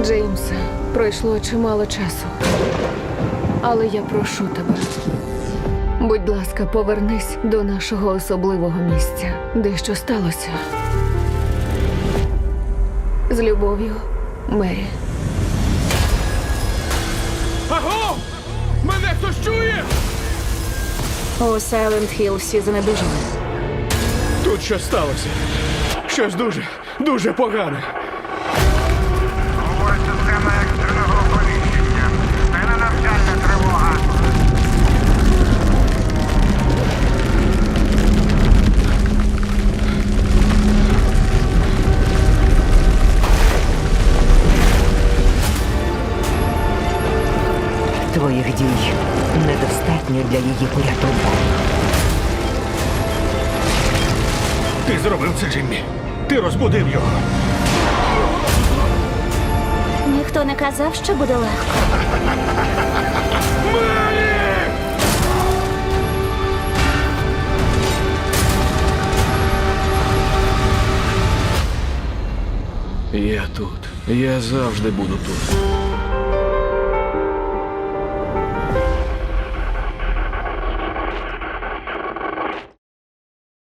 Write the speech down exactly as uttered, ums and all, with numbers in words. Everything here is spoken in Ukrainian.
Джеймсе, пройшло чимало часу. Але я прошу тебе. Будь ласка, повернись до нашого особливого місця. Дещо сталося. З любов'ю, Мері. Аго! Мене хтось чує? У Сайленд Хілл всі занедужали. Тут щось сталося. Щось дуже, дуже погане. Говорить система екстреного оповіщення. Це не навчальна тривога. Твоїх дій недостатньо для її порятунку. Ти зробив це, Джиммі. Ти розбудив його. Ніхто не казав, що буде легко. Я тут. Я завжди буду тут.